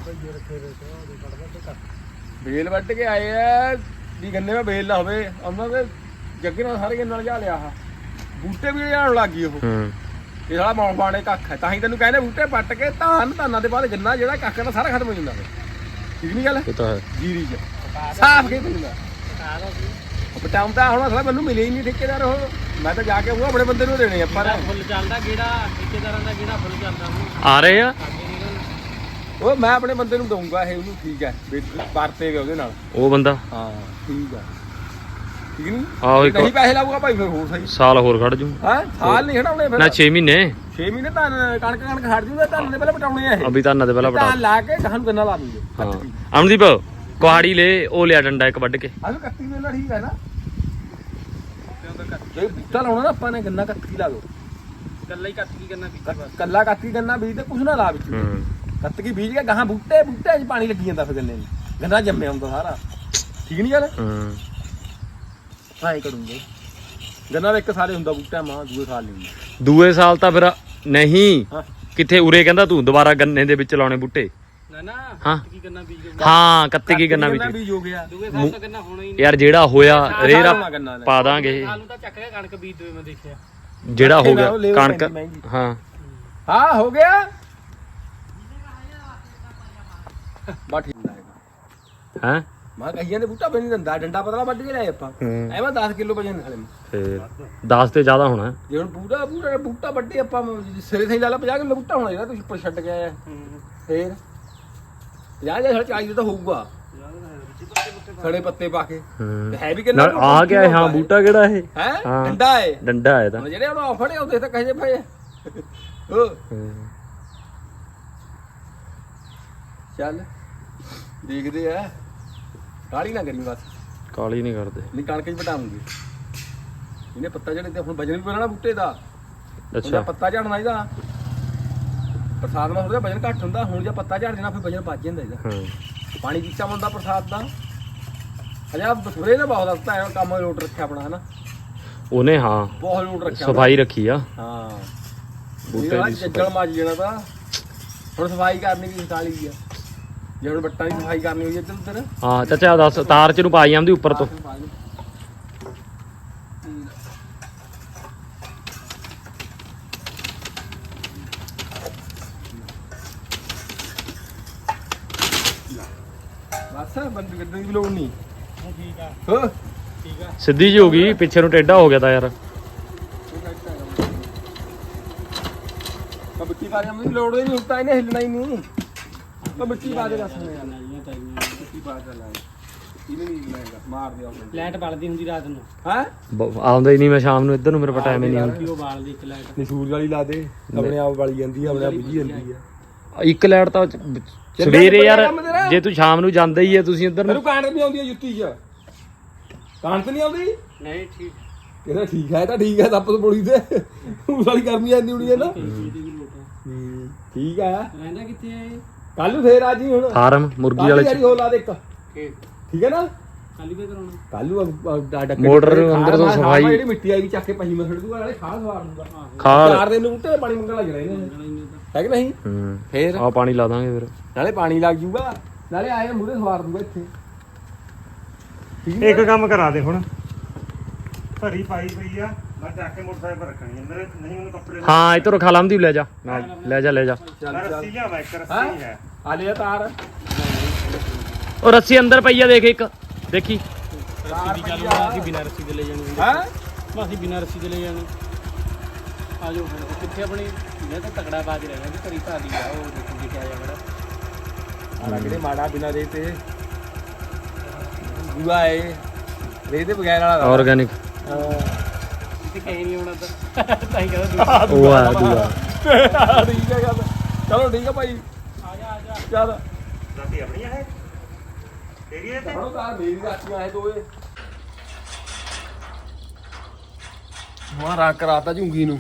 Speaker 1: ਬੇਲ ਵੱਟ ਕੇ ਆਏ ਆ ਵੀ ਗੰਨੇ ਵਿੱਚ ਬੇਲ ਨਾ ਹੋਵੇ ਉਹਨਾਂ ਦੇ ਜੱਗੇ ਨਾਲ ਸਾਰੇ ਗੰਨੇ ਨਾਲ ਜਾ ਲਿਆ ਆ ਬੂਟੇ ਵੀ ਜਾਣ ਲੱਗ ਗਈ ਉਹ
Speaker 4: ਹੂੰ
Speaker 1: ਇਹ ਸਾਲਾ ਮੌਣ ਬਾਣੇ ਕੱਖ ਹੈ ਤਾਂ ਹੀ ਤੈਨੂੰ ਕਹਿੰਦੇ ਬੂਟੇ ਪੱਟ ਕੇ ਧਾਨਾਂ ਦੇ ਬਾਅਦ ਗੰਨਾ ਜਿਹੜਾ ਕੱਖ ਦਾ ਸਾਰਾ ਖਤਮ ਹੋ ਜਾਂਦਾ ਵੇ ਠੀਕ ਨਹੀਂ ਗੱਲ
Speaker 4: ਇਹ ਤਾਂ ਹੈ
Speaker 1: ਜੀਰੀ ਚ ਸਾਫ ਕੇ ਪੈਂਦਾ ਉਹ ਪਟਾਉਂਦਾ ਹੁਣ ਅਸਲਾ ਮੈਨੂੰ ਮਿਲੇ ਹੀ ਨਹੀਂ ਠੇਕੇਦਾਰ ਉਹ ਮੈਂ ਤਾਂ ਜਾ ਕੇ ਉਹ ਆਪਣੇ ਬੰਦੇ ਨੂੰ ਦੇਣੇ ਆਪਾਂ ਨੇ
Speaker 3: ਫੁੱਲ ਚੱਲਦਾ ਕਿਹੜਾ ਠੇਕੇਦਾਰਾਂ ਦਾ ਕਿਹੜਾ ਫੁੱਲ ਚੱਲਦਾ ਉਹਨੂੰ
Speaker 4: ਆ ਰਹੇ ਆ
Speaker 3: ਅੱਗੇ ਨਿਕਲ
Speaker 1: ਉਹ ਮੈਂ ਆਪਣੇ ਬੰਦੇ ਨੂੰ ਦਊਂਗਾ ਇਹ ਉਹਨੂੰ ਠੀਕ ਹੈ ਵਰਤੇ ਵੇ ਉਹਦੇ ਨਾਲ
Speaker 4: ਉਹ ਬੰਦਾ
Speaker 1: ਹਾਂ ਠੀਕ ਆ ਠੀਕ ਨਹੀਂ
Speaker 4: ਆਹੋ ਇੱਕ
Speaker 1: ਨਹੀਂ ਪੈਸੇ ਲਾਊਗਾ ਭਾਈ ਫਿਰ ਹੋਰ ਸਹੀ
Speaker 4: ਸਾਲ ਹੋਰ ਖੜ ਜੂ
Speaker 1: ਹਾਂ ਸਾਲ ਨਹੀਂ ਖੜਾਉਣੇ ਫਿਰ
Speaker 4: ਨਾ 6 ਮਹੀਨੇ
Speaker 1: 6 ਮਹੀਨੇ ਤਾਂ ਕਣਕ ਖੜ ਜੂਗਾ ਧਾਨ ਦੇ ਪਹਿਲਾਂ ਪਟਾਉਣੇ ਆ ਇਹ
Speaker 4: ਅਭੀ ਤਾਂ ਦੇ ਪਹਿਲਾਂ ਬਟਾ
Speaker 1: ਧਾਨ ਲਾ ਕੇ ਗਾਹਾਂ ਨੂੰ ਗੰਨਾ ਲਾ ਦੂਗੇ
Speaker 4: ਹਾਂ ਅਮਨਦੀਪ ਕੁਹਾੜੀ ਲੈ ਉਹ ਲਿਆ ਡੰਡਾ ਇੱਕ ਵੱਢ ਕੇ
Speaker 1: ਆਹ ਕੱਤੀ ਵੇਲਾ ਠੀਕ ਹੈ ਨਾ ਜੇ ਬੂਟਾ ਲਾਉਣਾ ਨਾ ਆਪਾਂ ਨੇ ਗੰਨਾ ਕੱਤੀ ਲਾ ਦੋ
Speaker 3: ਕੱਲਾ ਹੀ ਕੱਟ ਕੀ ਕਰਨਾ ਪਿੱਛੇ ਬਸ
Speaker 1: ਕੱਲਾ ਕੱਤੀ ਗੰਨਾ ਬੀਜ ਤੇ ਕੁਛ ਨਾ ਲਾ ਵਿੱਚ
Speaker 4: ਹੂੰ
Speaker 1: ਕੱਤਕੀ ਬੀਜ ਕੇ ਗਾਹਾਂ ਬੂਟੇ 'ਚ ਪਾਣੀ ਲੱਗੀ ਜਾਂਦਾ ਫਿਰ ਗੰਨੇ ਨੂੰ ਗੰਨਾ ਜੰਮਿਆ ਹੁੰਦਾ ਸਾਰਾ ਠੀਕ ਨਹੀਂ ਗੱਲ
Speaker 4: ਹੂੰ
Speaker 1: ਹਾਂ ਇਹ ਕਰੂੰਗੇ ਗੰਨਾ ਦਾ ਇੱਕ ਸਾਲੇ ਹੁੰਦਾ ਬੂਟਾ ਮਾਂ ਦੂਏ ਸਾਲ ਨਹੀਂ ਹੁੰਦਾ
Speaker 4: ਦੂਏ ਸਾਲ ਤਾਂ ਫਿਰ ਨਹੀਂ
Speaker 1: ਹਾਂ।
Speaker 4: ਕਿੱਥੇ ਉਰੇ ਕਹਿੰਦਾ ਤੂੰ ਦੁਬਾਰਾ ਗੰਨੇ ਦੇ ਵਿੱਚ ਲਾਉਣੇ ਬੂਟੇ
Speaker 3: ਨਾ
Speaker 4: ਹਾਂ
Speaker 3: ਕੀ ਕਰਨਾ ਬੀਜ
Speaker 4: ਹਾਂ ਕੱਤੇ ਕੀ ਗੰਨਾ
Speaker 1: ਗੰਨਾ
Speaker 4: ਵਿੱਚ
Speaker 1: ਬੀਜ ਹੋ ਗਿਆ
Speaker 3: ਦੂਗੇ ਸਾਲ ਤਾਂ ਕਰਨਾ ਹੋਣਾ ਹੀ ਨਹੀਂ
Speaker 4: ਯਾਰ ਜਿਹੜਾ ਹੋਇਆ ਰੇਰਾ
Speaker 1: ਹੋਣਾ ਗੰਨਾ
Speaker 4: ਪਾ ਦਾਂਗੇ
Speaker 3: ਆਲੂ ਤਾਂ ਚੱਕ ਕੇ ਕਣਕ ਬੀਜ ਦੋਏ ਮੈਂ ਦੇਖਿਆ
Speaker 4: ਜਿਹੜਾ ਹੋ ਗਿਆ
Speaker 1: ਉਹ labor
Speaker 4: ਕਣਕ
Speaker 1: ਪੈਂਦੀ ਮਹਿੰਗੀ।
Speaker 4: ਹਾਂ
Speaker 1: ਹਾਂ ਹੋ ਗਿਆ ਬਾ ਠੀਕ ਹੈ
Speaker 4: ਹੈ
Speaker 1: ਮੈਂ ਕਹੀਆਂ ਦੇ ਬੂਟਾ ਬਣੀ ਦੰਦਾ ਡੰਡਾ ਪਤਲਾ ਵੱਢ ਕੇ ਲਿਆਏ ਆਪਾਂ ਐਵੇਂ 10 ਕਿਲੋ ਵਜਨ ਨਾਲੇ
Speaker 4: ਫੇਰ 10 ਤੇ ਜ਼ਿਆਦਾ ਹੋਣਾ
Speaker 1: ਜੇ ਹੁਣ ਬੂਟਾ ਵੱਡੇ ਆਪਾਂ ਸਿਰੇ ਥਈ ਲਾ ਲਾ 50 ਕਿਲੋ ਬੂਟਾ ਹੋਣਾ ਜਿਹੜਾ ਤੁਸੀਂ ਉੱਪਰ ਛੱਡ ਕੇ ਆਇਆ ਫੇਰ 50 ਜਾਂ 40 ਤਾਂ ਹੋਊਗਾ ਸੜੇ ਪੱਤੇ ਪਾ ਕੇ ਤੇ ਹੈ ਵੀ ਕਿੰਨਾ
Speaker 4: ਆ ਗਿਆ ਹਾਂ ਬੂਟਾ ਕਿਹੜਾ ਇਹ
Speaker 1: ਹੈ
Speaker 4: ਹਾਂ।
Speaker 1: ਡੰਡਾ ਹੈ
Speaker 4: ਡੰਡਾ ਹੈ ਤਾਂ
Speaker 1: ਹੁਣ ਜਿਹੜੇ ਉਹ ਫੜੇ ਹੁੰਦੇ ਤਾਂ ਕਹੇ ਭਾਈ ਹੋ ਚੱਲ ਦੇਖਦੇ ਆ ਕਾਲੀ ਨਾ ਕਰੀ ਬਸ
Speaker 4: ਕਾਲੀ ਨਹੀਂ ਕਰਦੇ
Speaker 1: ਨਹੀਂ ਕਣਕ 'ਚ ਵਟਾਉਂਗੇ ਇਹਨੇ ਪੱਤਾ ਝੜੇ ਤੇ ਹੁਣ ਵਜਨ ਵੀ ਪੈਣਾ ਬੂਟੇ ਦਾ
Speaker 4: ਅੱਛਾ
Speaker 1: ਅੱਛਾ ਪੱਤਾ ਝੜਨਾ ਇਹਦਾ ਪ੍ਰਸਾਦ ਨਾਲ ਥੋੜਾ ਵਜਨ ਘੱਟ ਹੁੰਦਾ ਹੁਣ ਜੇ ਪੱਤਾ ਝੜ ਜਾਣਾ ਫਿਰ ਵਜਨ ਵੱਜ ਜਾਂਦਾ ਇਹਦਾ
Speaker 4: ਹਾਂ
Speaker 1: ਪਾਣੀ ਪੀਤਾ ਹੁੰਦਾ ਪ੍ਰਸਾਦ ਦਾ ਹਜਾ ਬਸਰੇ ਨੇ ਬਹੁਤ ਹਸਤਾ ਹੈ ਕੰਮ ਲੋਟ ਰੱਖਿਆ ਆਪਣਾ ਹਨਾ
Speaker 4: ਉਹਨੇ ਹਾਂ
Speaker 1: ਬਹੁਤ ਲੋਟ ਰੱਖਿਆ
Speaker 4: ਸਫਾਈ ਰੱਖੀ ਆ
Speaker 1: ਹਾਂ
Speaker 4: ਬੂਟੇ ਦੀ
Speaker 1: ਜੱਜਲ ਮੱਜ ਜਾਣਾ ਤਾਂ ਹੁਣ ਸਫਾਈ ਕਰਨੀ ਵੀ ਹਟਾਲੀ ਆ ਜੇ ਹੁਣ ਬੱਟਾਂ ਦੀ ਸਫਾਈ ਕਰਨੀ ਹੋਈ ਇੱਧਰ ਉੱਧਰ
Speaker 4: ਹਾਂ ਚਾਚਾ ਦੱਸ ਤਾਰ ਚ ਨੂੰ ਪਾਈ ਜਾਂਦੀ ਉੱਪਰ ਤੋਂ
Speaker 1: ਬਸ ਬੰਦ ਗੱਡੀ ਦੀ ਲੋੜ ਨਹੀਂ
Speaker 3: ਠੀਕ ਆ
Speaker 1: ਹੋ
Speaker 3: ਠੀਕ ਆ
Speaker 4: ਸਿੱਧੀ ਜੀ ਹੋ ਗਈ ਪਿੱਛੇ ਨੂੰ ਟੇਢਾ ਹੋ ਗਿਆ ਤਾਂ ਯਾਰ
Speaker 1: ਮਿੱਟੀ ਪਾ ਦੇ ਮੈਨੂੰ ਲੋੜ ਹੀ ਨਹੀਂ ਹੁੰਦਾ ਇਹਨੇ ਹਿੱਲਣਾ ਹੀ ਨਹੀਂ ਤਾਂ ਮਿੱਟੀ ਪਾ ਦੇ ਦੱਸ
Speaker 3: ਨਾਲੀਆਂ ਤਾਈਆਂ
Speaker 1: ਮਿੱਟੀ ਪਾ ਦੇ ਲੈ ਇਹਨੇ ਨਹੀਂ ਹਿੱਲਣਾ ਮਾਰ ਦਿਆ
Speaker 3: ਲਾਈਟ ਬਲਦੀ ਹੁੰਦੀ ਰਾਤ ਨੂੰ
Speaker 1: ਹੈ
Speaker 4: ਆਉਂਦਾ ਹੀ ਨਹੀਂ ਮੈਂ ਸ਼ਾਮ ਨੂੰ ਇੱਧਰ ਨੂੰ ਮੇਰੇ ਕੋਲ ਟਾਈਮ ਹੀ ਨਹੀਂ ਹੁੰਦਾ
Speaker 3: ਕਿ ਉਹ ਬਾਲਦੀ ਇੱਕ ਲਾਈਟ
Speaker 1: ਨਹੀਂ ਸੂਰਜ ਵਾਲੀ ਲਾ ਦੇ ਆਪਣੇ ਆਪ ਵਾਲੀ ਜਾਂਦੀ ਆ ਆਪਣੇ ਆਪ ਬੁਝੀ ਜਾਂਦੀ ਆ
Speaker 4: ਇੱਕ ਲਾਈਟ ਤਾਂ ਸਵੇਰੇ ਯਾਰ ਜੇ ਤੂੰ ਸ਼ਾਮ ਨੂੰ ਜਾਂਦਾ ਹੀ ਹੈ ਤੁਸੀਂ ਇੱਧਰ ਨੂੰ
Speaker 1: ਮੈਨੂੰ ਕਾਂਟ ਨਹੀਂ ਆਉਂਦੀ ਜੁੱਤੀ 'ਚ ਕਾਂਟ ਨਹੀਂ ਆਉਂਦੀ
Speaker 3: ਨਹੀਂ ਠੀਕ
Speaker 1: ਇਹਦਾ ਠੀਕ ਹੈ ਤਾਂ ਠੀਕ ਹੈ ਦੱਪ ਬੋਲੀ ਤੇ ਉਸ ਵਾਲੀ ਗਰਮੀ ਆਂਦੀ ਹੋਣੀ ਹੈ ਨਾ ਠੀਕ ਆ
Speaker 3: ਰਹਿੰਦਾ ਕਿੱਥੇ ਆ ਇਹ
Speaker 1: ਕੱਲ ਨੂੰ ਫੇਰ ਆ ਜੀ ਹੁਣ
Speaker 4: ਫਾਰਮ ਮੁਰਗੀ ਵਾਲੇ ਚ
Speaker 1: ਹੋ ਲਾ ਦੇ ਇੱਕ
Speaker 3: ਕਿ
Speaker 1: ਠੀਕ ਹੈ ਨਾ
Speaker 3: ਖਾਲੀ ਪੇ ਕਰਾਉਣਾ
Speaker 1: ਕੱਲ ਨੂੰ
Speaker 4: ਮੋਟਰ ਅੰਦਰ ਤੋਂ ਸਫਾਈ
Speaker 1: ਜਿਹੜੀ ਮਿੱਟੀ ਆਈ ਚੱਕ ਕੇ ਪਹੀ ਮੈਂ ਛੱਡ ਦੂਗਾ ਨਾਲੇ ਖਾਦ ਸਵਾਰ ਦੂਗਾ
Speaker 4: ਖਾਦ
Speaker 1: 4 ਦਿਨ ਨੂੰ ਬੂਟੇ ਪਾਣੀ ਮੰਗਣ ਲੱਗ ਜਾਣਾ ਇਹਨੇ ਹੈ ਕਿ ਨਹੀਂ
Speaker 4: ਹੂੰ
Speaker 1: ਫੇਰ
Speaker 4: ਆ ਪਾਣੀ ਲਾ ਦਾਂਗੇ ਫਿਰ
Speaker 1: ਨਾਲੇ ਪਾਣੀ ਲੱਗ ਜੂਗਾ ਨਾਲੇ ਆਏ ਮੂਰੇ ਸਵਾਰ ਦੂਗਾ ਇੱਥੇ
Speaker 2: ਇੱਕ ਕੰਮ ਕਰਾ ਦੇ ਹੁਣ ਭਰੀ ਪਾਈ ਪਈ ਆ ਮੈਂ ਚੱਕ ਕੇ ਮੋਟਰਸਾਈਕਲ ਪਰ ਰੱਖਣੀ ਮੇਰੇ ਨਹੀਂ ਮੈਨੂੰ ਕੱਪੜੇ
Speaker 4: ਹਾਂ ਇੱਧਰੋਂ ਖਾ ਲਾਂਦੀ ਲੈ ਜਾ ਲੈ ਜਾ ਲੈ ਜਾ
Speaker 2: ਮੈਂ ਰੱਸੀ ਲਿਆਵਾਂ ਇੱਕ ਰੱਸੀ ਹੈ
Speaker 1: ਆ ਲਿਆ ਤਾਰ
Speaker 4: ਉਹ ਰੱਸੀ ਅੰਦਰ ਪਈ ਆ ਦੇਖ ਇੱਕ ਦੇਖੀ
Speaker 3: ਰੱਸੀ ਦੀ ਗੱਲ ਹੋਣਾ ਅਸੀਂ ਬਿਨਾਂ ਰੱਸੀ ਦੇ ਲੈ ਜਾਣੀ
Speaker 1: ਹੈ
Speaker 3: ਅਸੀਂ ਬਿਨਾਂ ਰੱਸੀ ਦੇ ਲੈ ਜਾਣੀ ਆ ਜਾਓ ਫਿਰ ਕਿੱਥੇ ਆਪਣੀ ਮੈਂ ਤਾਂ ਤਕੜਾ ਬਾਜ ਰਹਿਣਾ ਕਿ ਘਰੀ ਭਾਦੀ ਆ ਉਹ ਦੇਖੋ ਕਿੱਥੇ ਆ ਜਾਣਾ
Speaker 1: ਆਲਾ ਕਿਹੜੇ ਮਾੜਾ ਬਿਨਾ ਦੇ ਤੇ ਦੂਆ ਏ ਰੇ ਦੇ ਬਗੈਰ ਵਾਲਾ
Speaker 4: ਆਰਗੈਨਿਕ
Speaker 3: ਕਿਤੇ ਕਹੀ ਨਹੀਂ ਹੋਣਾ ਤਾਂ ਹੀ ਕਹਿੰਦਾ
Speaker 4: ਉਹ ਆ ਦੂਆ
Speaker 1: ਠੀਕ ਹੈ ਗੱਲ ਚਲੋ ਠੀਕ ਹੈ ਭਾਈ
Speaker 3: ਆ ਜਾ
Speaker 1: ਚੱਲ
Speaker 2: ਰਾਤੀ ਆਪਣੀ ਹੈ ਤੇਰੀ ਹੈ ਤੇ
Speaker 1: ਹੁਣ ਤਾਂ ਮੇਰੀ ਰਾਤੀਆਂ ਆਏ ਦੋਏ ਮਾਰਾ ਕਰਾਤਾ ਝੁੰਗੀ ਨੂੰ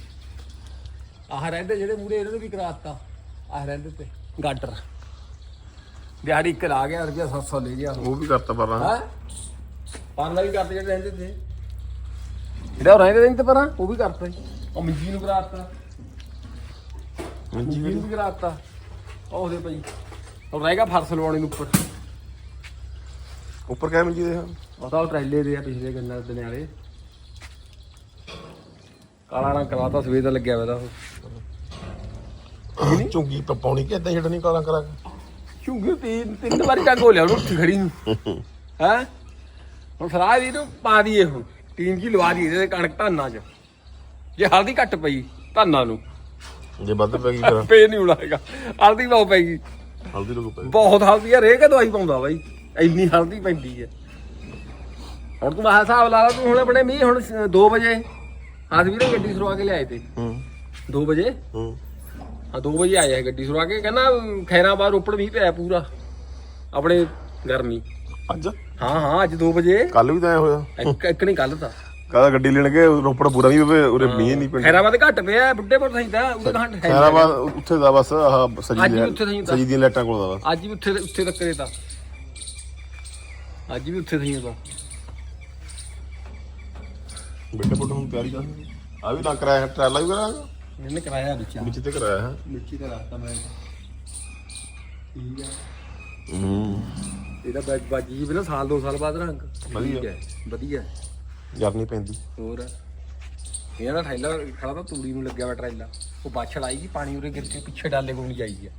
Speaker 1: ਆਹ ਰਹਿੰਦੇ ਜਿਹੜੇ ਮੂਰੇ ਇਹਨਾਂ ਨੂੰ ਵੀ ਕਰਾਤਾ ਆਹ ਰਹਿੰਦੇ ਤੇ ਗਾਡਰ ਦਿਹਾੜੀ ਇੱਕ ਲਾ ਗਿਆ ਰੁਪਿਆ 700 ਲੈ ਗਿਆ
Speaker 5: ਉਹ ਵੀ ਕਰਤਾ ਪਰ
Speaker 1: ਹੈ ਪਾਰਲਾ ਵੀ ਕਰਦੇ ਜਿਹੜੇ ਰਹਿੰਦੇ ਤੇ ਜਿਹੜਾ ਉਹ ਰਹਿੰਦੇ ਤੇ ਪਰਾਂ ਉਹ ਵੀ ਕਰਤਾ ਜੀ ਉਹ ਮੰਜੀ ਨੂੰ ਕਰਾਤਾ ਮੰਜੀ ਨੂੰ ਵੀ ਕਰਾਤਾ ਉਹ ਉਹਦੇ ਭਾਈ ਉਹ ਰਹਿ ਗਿਆ ਫਰਸ਼ ਲਵਾਉਣੇ ਨੂੰ ਉੱਪਰ
Speaker 5: ਉੱਪਰ ਕਿਆ ਮਿਲ ਜੀ ਦੇ
Speaker 1: ਉਹ ਤਾਂ ਉਹ ਟਰੈਲੇ ਦੇ ਆ ਪਿਛਲੇ ਗੰਨਾ ਦਿਨ ਵਾਲੇ ਕਾਲਾ ਰੰਗ ਕਰਾਤਾ ਸਵੇਰ ਦਾ ਲੱਗਿਆ ਹੋਇਆ ਉਹ
Speaker 5: ਝੁੰਗੀ ਪਾਉਣੀ ਕਿ ਏਦਾਂ ਛੱਡਣੀ ਕਾਲਾਂ ਕਰਾ ਕੇ
Speaker 1: ਝੁੰਗੀ ਤਿੰਨ ਵਾਰੀ ਟੰਗ ਹੋ ਲਿਆ ਉਹਨੂੰ ਉੱਠ ਖੜੀ ਨੂੰ ਹੈ ਹੁਣ ਫਰਾਜ ਇਹਨੂੰ ਪਾ ਦਈਏ ਹੁਣ ਟੀਨ ਕੀ ਲਵਾ ਦਈਏ ਇਹਦੇ ਕਣਕ ਧਾਨਾਂ 'ਚ ਜੇ ਹਲਦੀ ਘੱਟ ਪਈ ਧਾਨਾਂ ਨੂੰ
Speaker 5: ਜੇ ਵੱਧ ਪੈ ਗਈ ਫਿਰ
Speaker 1: ਫੇਰ ਨਹੀਂ ਉਡਾਏਗਾ ਹਲਦੀ ਬਹੁਤ ਪੈਗੀ
Speaker 5: ਹਲਦੀ ਲੋਕ ਪੈ
Speaker 1: ਬਹੁਤ ਹਲਦੀ ਆ ਰੇਹ ਕੇ ਦਵਾਈ ਪਾਉਂਦਾ ਬਾਈ ਇੰਨੀ ਹਲਦੀ ਪੈਂਦੀ ਹੈ ਹੁਣ ਤੂੰ ਆਹ ਹਿਸਾਬ ਲਾ ਲਾ ਤੂੰ ਹੁਣ ਆਪਣੇ ਮੀਂਹ ਹੁਣ 2 ਵਜੇ ਆਸ ਵੀਰੇ ਗੱਡੀ ਸਰਵਾ ਕੇ ਲਿਆਏ ਤੇ
Speaker 5: ਹੂੰ
Speaker 1: 2 ਵਜੇ
Speaker 5: ਹੂੰ
Speaker 1: ਹਾਂ 2 ਵਜੇ ਆਇਆ ਗੱਡੀ ਸਰਵਾ ਕੇ ਕਹਿੰਦਾ ਖੈਰਾਬਾਦ ਰੋਪੜ ਮੀਂਹ ਪਿਆ ਪੂਰਾ ਆਪਣੇ ਗਰਮੀ
Speaker 5: ਅੱਜ
Speaker 1: ਹਾਂ ਅੱਜ 2 ਵਜੇ
Speaker 5: ਕੱਲ ਵੀ ਤਾਂ ਐ ਹੋਇਆ
Speaker 1: ਇੱਕ ਨਹੀਂ ਗੱਲ ਤਾਂ
Speaker 5: ਕਾਹਦਾ ਗੱਡੀ ਲੈਣ ਗਏ ਰੋਪੜ ਪੂਰਾ ਨਹੀਂ ਹੋਵੇ ਉਰੇ ਮੀਂਹ ਨਹੀਂ ਪੈਂਦਾ
Speaker 1: ਖੈਰਾਬਾਦ ਘੱਟ ਪਿਆ ਬੁੱਢੇਪੁਰ ਸਹੀ ਤਾਂ ਉਹਦੇ ਘੰਟ ਹੈ
Speaker 5: ਖੈਰਾਬਾਦ ਉੱਥੇ ਦਾ ਬਸ ਆਹ
Speaker 1: ਅੱਜ
Speaker 5: ਸਜੀ
Speaker 1: ਵੀ ਉੱਥੇ ਸਹੀ ਤਾਂ
Speaker 5: ਸਜੀ ਦੀਆਂ ਲਾਈਟਾਂ ਕੋਲ ਦਾ ਬਸ
Speaker 1: ਅੱਜ ਵੀ ਉੱਥੇ ਤੱਕ ਦੇ ਤਾਂ ਅੱਜ ਵੀ ਉੱਥੇ ਸਹੀ ਤਾਂ
Speaker 5: ਬੇਟੇ ਬੁੱਢੇ ਹੁਣ ਤਿਆਰੀ ਕਰ ਆ ਵੀ ਨਾ ਕਰਾਇਆ ਟਰਾਲਾ ਵੀ ਕਰਾਂਗਾ
Speaker 1: ਇਹਨੇ ਕਰਾਇਆ ਵਿੱਚ
Speaker 5: ਵਿੱਚ ਤੇ ਕਰਾਇਆ ਹੈ
Speaker 1: ਵਿੱਚ ਹੀ ਤਾਂ ਰੱਖਤਾ ਮੈਂ ਠੀਕ ਆ ਇਹਦਾ ਬਾਜੀ ਵੀ ਨਾ ਸਾਲ 2 ਸਾਲ ਬਾਅਦ ਰੰਗ
Speaker 5: ਵਧੀਆ।
Speaker 1: ਵਧੀਆ
Speaker 5: ਜਰ ਨਹੀਂ ਪੈਂਦੀ
Speaker 1: ਹੋਰ ਇਹਨਾਂ ਦਾ ਠੈਲਾ ਖੜਾ ਤਾਂ ਤੂੜੀ ਨੂੰ ਲੱਗਿਆ ਵਾ ਟਰੈਲਾ ਉਹ ਬਾਛੜ ਆਈਗੀ ਪਾਣੀ ਉਰੇ ਗਿਰ ਕੇ ਪਿੱਛੇ ਡਾਲੇ ਕੋਲ ਨਹੀਂ ਜਾਈਗੀ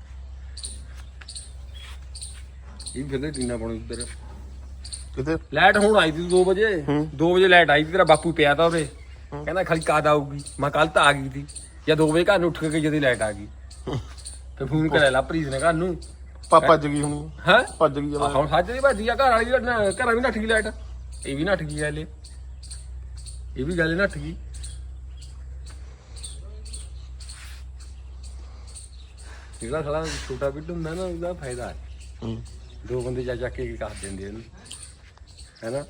Speaker 1: ਇਹ ਫਿਰਦੇ ਟੀਨਾ ਪਾਉਣੀ ਉੱਧਰ
Speaker 5: ਕਿਤੇ
Speaker 1: ਲਾਈਟ ਹੁਣ ਆਈ ਸੀ 2 ਵਜੇ 2 ਵਜੇ ਲਾਈਟ ਆਈ ਸੀ ਤੇਰਾ ਬਾਪੂ ਪਿਆ ਤਾ ਉਰੇ ਕਹਿੰਦਾ ਖਾਲੀ ਕਦ ਆਊਗੀ ਮੈਂ ਕੱਲ ਤਾਂ ਆ ਗਈ ਸੀ ਜਾਂ 2 ਵਜੇ ਘਰ ਨੂੰ ਉੱਠ ਕੇ ਜਦੀ ਲਾਈਟ ਆ ਗਈ ਤੇ ਫੋਨ ਕਰਿਆ ਲਾ ਪ੍ਰੀਤ ਨੇ ਘਰ ਨੂੰ
Speaker 5: ਭੱਜ ਗਈ ਹੁਣ
Speaker 1: ਹੈ
Speaker 5: ਭੱਜ ਗਈ ਜਦ
Speaker 1: ਹੁਣ ਸੱਜ ਦੀ ਭੱਜੀ ਆ ਘਰ ਵਾਲੀ ਘਰਾਂ ਵੀ ਨੱਠ ਗਈ ਲਾਈਟ ਇਹ ਵੀ ਨੱਠ ਗਈ ਹਲੇ ਇਹ ਵੀ ਗੱਲ ਨੱਠ ਗਈ ਜਿਹੜਾ ਸਾਲਾ ਛੋਟਾ ਬਿੱਟ ਹੁੰਦਾ ਨਾ ਉਹਦਾ ਫਾਇਦਾ ਹੈ 2 ਬੰਦੇ ਜਾ ਜਾ ਕੇ ਕਰ ਦਿੰਦੇ ਇਹਨੂੰ ਹੈਨਾ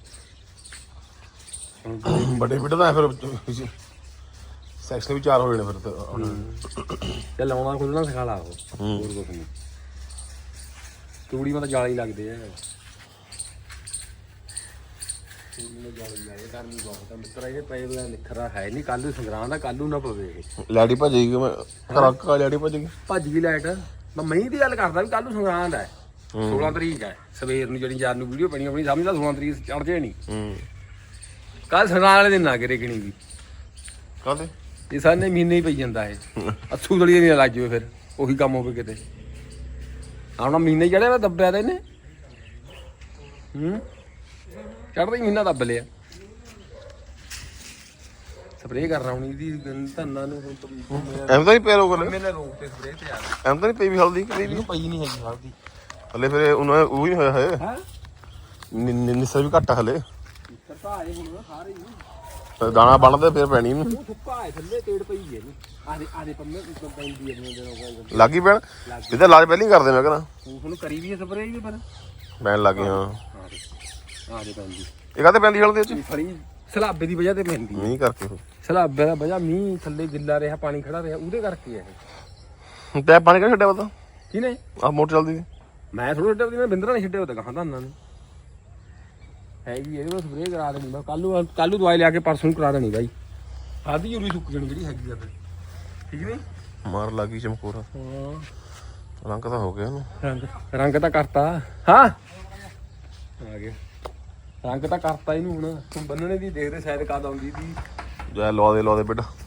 Speaker 5: ਵੱਡੇ ਬਿੱਟ ਦਾ ਫਿਰ ਸੈਕਸ਼ਨ ਵੀ 4 ਹੋ ਜਾਣੇ ਫਿਰ
Speaker 1: ਤੇ ਲਾਉਣਾ ਖੁੱਲਣਾ ਸਿਖਾ ਲਾ ਉਹ ਹੋਰ ਕੁਛ ਨਹੀਂ ਤੂੜੀ ਮਤ ਜਾਲੀ ਲੱਗਦੇ ਆ ਤੂੜੀ ਨੂੰ ਜਾਲੀ ਲਾਏ ਗਰਮੀ ਬਹੁਤ ਆ ਮਿੱਤਰਾ ਇਹ ਪਏ ਬਗੈਰ ਨਿਖਰਾ ਹੈ ਨਹੀਂ ਕੱਲ ਨੂੰ ਸੰਗਰਾਂ ਦਾ ਕੱਲ ਨੂੰ ਨਾ ਪਵੇ ਇਹ
Speaker 5: ਲੈਡੀ ਭੱਜ ਗਈ ਮੈਂ ਖਰਾਕਾ ਲੈਡੀ ਭੱਜ ਗਈ
Speaker 1: ਭੱਜ ਗਈ ਲਾਈਟ ਮੈਂ ਮਹੀਂ ਦੀ ਗੱਲ ਕਰਦਾ ਵੀ ਕੱਲ ਨੂੰ ਸੰਗਰਾਂ ਦਾ 16 ਤਰੀਕ ਹੈ ਸਵੇਰ ਨੂੰ ਜਿਹੜੀ ਯਾਰ ਨੂੰ ਵੀਡੀਓ ਬਣੀ ਆਪਣੀ ਸਮਝਦਾ 16 ਤਰੀਕ ਚੜ ਜੇ ਨਹੀਂ ਕੱਲ ਸੰਗਰਾਂ ਵਾਲੇ ਦਿਨ ਨਾ ਕਰੇ ਕਿਣੀ ਵੀ
Speaker 5: ਕਾਹਦੇ
Speaker 1: ਇਹ ਸਾਰੇ ਮਹੀਨੇ ਹੀ ਪਈ ਜਾਂਦਾ ਇਹ ਅੱਸੂ ਦਲੀਏ ਨਹੀਂ ਲੱਜ ਜਵੇ ਫਿਰ ਉਹੀ ਕੰਮ ਹੋਵੇ ਕਿਤੇ ਆਉਣਾ ਮਹੀਨੇ ਚੜਿਆ ਵਾ ਦੱਬਿਆ ਤੇ ਇਹਨੇ ਚੜਦਾ ਹੀ ਮਹੀਨਾ ਦੱਬ ਲਿਆ ਸਪਰੇਅ ਕਰ ਰਾਉਣੀ ਦੀ ਧੰਨਾ ਨੂੰ ਹੁਣ
Speaker 5: ਐਮ ਤਾਂ ਨਹੀਂ ਪੈ ਰੋਕ ਲੈ
Speaker 1: ਮੈਨੇ ਰੋਕ ਤੇ ਸਪਰੇਅ ਤੇ ਯਾਰ
Speaker 5: ਐਮ ਤਾਂ ਨਹੀਂ ਪਈ ਵੀ ਹਲਦੀ ਕਰੀ
Speaker 1: ਇਹਨੂੰ ਪਈ ਨਹੀਂ ਹੈਗੀ ਹਲਦੀ
Speaker 5: ਹਲੇ ਫਿਰ ਉਹਨਾਂ ਉਹ ਹੀ ਹੋਇਆ ਹੈ
Speaker 1: ਹੈ
Speaker 5: ਨਿਸਰ ਵੀ ਘੱਟ ਹਲੇ
Speaker 1: ਸਰਤਾ ਆਏ ਹੁਣ ਸਾਰੇ
Speaker 5: ਤੇ ਦਾਣਾ ਬਣਦਾ ਫਿਰ ਪੈਣੀ ਇਹਨੂੰ
Speaker 1: ਉਹ ਸੁੱਕਾ ਹੈ ਥੱਲੇ ਤੇੜ ਪਈ ਹੈ ਇਹਨੂੰ ਆਦੇ ਪੰਮੇ ਉੱਪਰ ਪੈਂਦੀ ਹੈ ਇਹਨੂੰ ਜਦੋਂ
Speaker 5: ਲੱਗੀ ਪੈਣ ਇਹਦਾ ਇਲਾਜ ਪਹਿਲਾਂ ਹੀ ਕਰਦੇ ਮੈਂ ਕਹਿੰਦਾ
Speaker 1: ਉਹਨੂੰ ਕਰੀ ਵੀ ਹੈ ਸਪਰੇਅ ਵੀ ਪਰ
Speaker 5: ਪੈਣ ਲੱਗ ਗਏ ਹਾਂ
Speaker 1: ਆਦੇ ਪੈਂਦੀ
Speaker 5: ਇਹ ਕਾਹਤੇ ਪੈਂਦੀ ਹਲਦੀ ਚ
Speaker 1: ਫੜੀ ਸਲਾਬੇ ਦੀ ਵਜ੍ਹਾ ਤੇ ਪੈਂਦੀ
Speaker 5: ਨਹੀਂ ਕਰਕੇ
Speaker 1: ਸਲਾਬੇ ਦਾ ਵਜ੍ਹਾ ਮੀਂਹ ਥੱਲੇ ਗਿੱਲਾ ਰਿਹਾ ਪਾਣੀ ਖੜਾ ਰਿਹਾ ਉਹਦੇ ਕਰਕੇ ਹੈ ਇਹ
Speaker 5: ਟੈਪ ਪਾਣੀ ਕਿਹੜਾ ਛੱਡਿਆ ਪਤਾ
Speaker 1: ਕਿਨੇ
Speaker 5: ਆਹ ਮੋਟਰ ਚੱਲਦੀ ਸੀ
Speaker 1: ਮੈਂ ਥੋੜਾ ਛੱਡਿਆ ਮੈਂ ਬਿੰਦਰਾ ਨਹੀਂ ਛੱਡਿਆ ਉਹ ਤਾਂ ਕਹਾਂ ਤਾਂ ਨੇ ਹੈਗੀ ਇਹਦੇ ਵਿੱਚ ਸਪਰੇਅ ਕਰਾ ਦੇਣੀ ਮੈਂ ਕੱਲ ਨੂੰ ਦਵਾਈ ਲਿਆ ਕੇ ਪਰਸੋਂ ਨੂੰ ਕਰਾ ਦੇਣੀ ਬਾਈ ਆਦੀ ਯੂਰੀ ਸੁੱਕ ਜਾਣੀ ਜਿਹੜੀ ਹੈਗੀ ਆ ਫਿਰ ਠੀਕ ਨਹੀਂ
Speaker 5: ਮਾਰ ਲੱਗੀ ਚਮਕੋਰਾ
Speaker 1: ਹਾਂ
Speaker 5: ਰੰਗ ਤਾਂ ਹੋ ਗਿਆ ਇਹਨੂੰ
Speaker 1: ਰੰਗ ਤਾਂ ਕਰਤਾ ਹਾਂ ਆ ਗਿਆ ਰੰਗ ਤਾਂ ਕਰਤਾ ਇਹਨੂੰ ਹੁਣ ਬੰਨਣੇ ਦੀ ਦੇਖਦੇ ਸ਼ਾਇਦ ਕਦ ਆਉਂਦੀ ਦੀ
Speaker 5: ਜਾ ਲਵਾ ਦੇ ਬੇਟਾ